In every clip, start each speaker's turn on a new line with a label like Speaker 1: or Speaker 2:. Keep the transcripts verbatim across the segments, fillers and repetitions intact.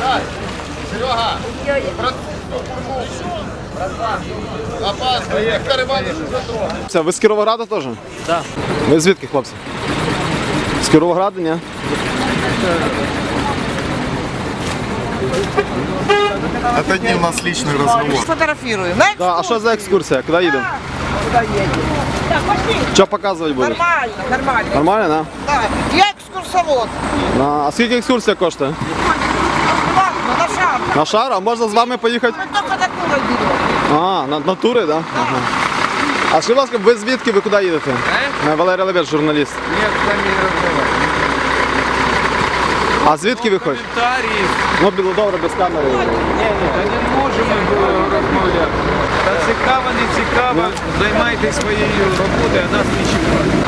Speaker 1: Серега! Опасно, Віктор Іванович затрогав.
Speaker 2: Це ви з Кіровограда теж?
Speaker 3: Так.
Speaker 2: Ви звідки, хлопці? З Кіровограда, ні?
Speaker 1: Это не у нас личный разговор.
Speaker 4: Фотографируем.
Speaker 2: Да, а що за екскурсія? Куди їдемо?
Speaker 4: Куда едем? Так, пошли.
Speaker 2: Що показувати будеш?
Speaker 4: Нормально, нормально.
Speaker 2: Нормально,
Speaker 4: Да. Я экскурсовод.
Speaker 2: да? А скільки екскурсія коштує?
Speaker 4: Ладно, на шар.
Speaker 2: На шар? А можна з вами поїхати?
Speaker 4: Мы только на тур берем.
Speaker 2: А, на, на тури, так? Да? Ага. А скажіть, будь ласка, ви звідки, ви куди їдете? Е? Валерій Лебедь, журналіст.
Speaker 3: Ні, з вами не розмовляю.
Speaker 2: А звідки ви хочете?
Speaker 3: Коментарі.
Speaker 2: Ну, було добре, без камери.
Speaker 3: Ні, ні, та не можемо розмовляти. Та цікаво, не цікаво, займайтесь своєю роботою, а нас не чекають.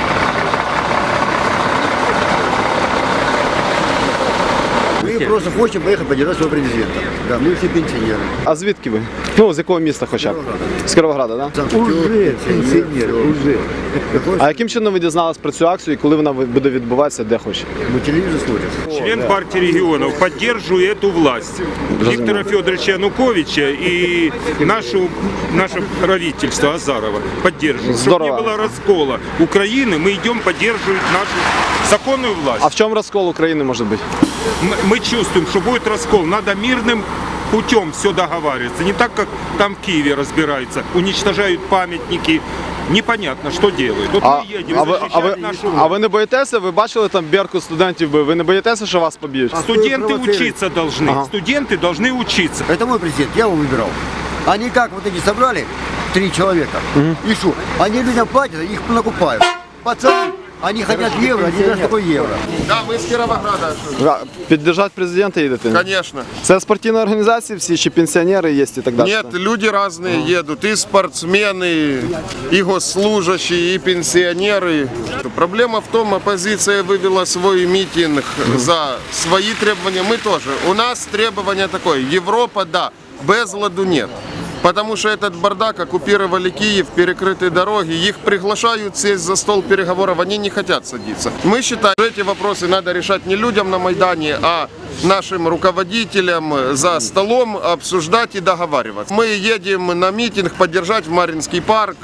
Speaker 5: Мы просто хотим поехать поддержать своего президента. Да, мы все пенсионеры.
Speaker 2: А звідки ви? Ну, з якого міста хоча б? З Кіровограда, так? Да?
Speaker 5: Уже пенсионеры, уже.
Speaker 2: А яким чином ви дізналися про цю акцію і коли вона буде відбуватися, де хоче?
Speaker 5: Мы телевизор смотрим.
Speaker 6: Член партии регионов, поддерживаю эту власть. Виктора Федоровича Януковича и нашу, наше правительство Азарова поддерживаю. Чтобы
Speaker 2: Здорово.
Speaker 6: не было раскола Украины, мы идем поддерживать нашу законную власть.
Speaker 2: А в чому розкол України може бути?
Speaker 6: Мы, мы чувствуем, что будет раскол. Надо мирным путем все договариваться. Не так, как там в Киеве разбираются. Уничтожают памятники. Непонятно, что делают. Вот
Speaker 2: А,
Speaker 6: мы едем
Speaker 2: а, ви, а,
Speaker 6: защищать
Speaker 2: ви,
Speaker 6: нашу
Speaker 2: а ви не боїтеся? Ви бачили там Беркут студентів бив? Ви не боїтеся, що вас поб'ють?
Speaker 6: Студенты учиться должны.
Speaker 2: Ага.
Speaker 6: Студенты должны учиться.
Speaker 5: Это мой президент, я его выбирал. Они как вот эти собрали, три человека, и что? Они людям платят, их накупают. Пацаны, они хотят евро, они даст такой евро.
Speaker 1: Да, мы с Кіровограда.
Speaker 2: А, Піддержати президента їдете?
Speaker 1: Конечно.
Speaker 2: Це спортивні організації всі, чи пенсіонери є і так далі?
Speaker 1: Нет, люди разные едут, и спортсмены, и госслужащие, и пенсионеры. Проблема в том, оппозиция вывела свой митинг за свои требования, мы тоже. У нас требование такое, Европа, да, без ладу нет. Потому что этот бардак, оккупировали Киев, перекрытые дороги, их приглашают сесть за стол переговоров, они не хотят садиться. Мы считаем, что эти вопросы надо решать не людям на Майдане, а нашим руководителям за столом обсуждать и договариваться. Мы едем на митинг поддержать в Маринский парк.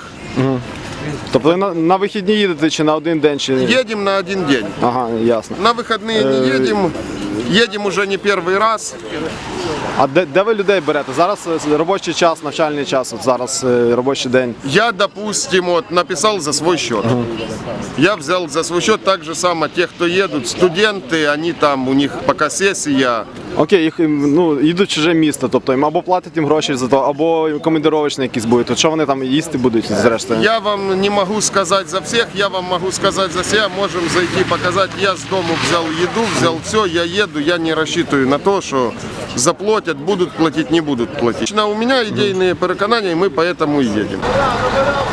Speaker 2: Тобто ви на, на вихідні їдете чи на один день? Чи...
Speaker 1: Едем на один день.
Speaker 2: Ага, ясно.
Speaker 1: На выходные не едем, едем уже не первый раз.
Speaker 2: А де, де ви людей берете? Зараз е, робочий час, навчальний час, от зараз е, робочий день.
Speaker 1: Я, допустим, вот, написал за свой счет. Я взял за свой счет так же само тех, кто едут, студенты, они там, у них пока сессия.
Speaker 2: Окей, їх ну, їдуть в чуже місто, тобто їм або платять їм гроші за то, або командировочні якісь будуть. От що вони там їсти будуть, зрештою?
Speaker 1: Я вам не могу сказать за всех, я вам могу сказать за себя. Можем зайти показать. Я с дому взял еду, взял все, я еду, я не рассчитываю на то, что заплатят, будут платить, не будут платить. У меня идейные переконания, и мы поэтому и едем.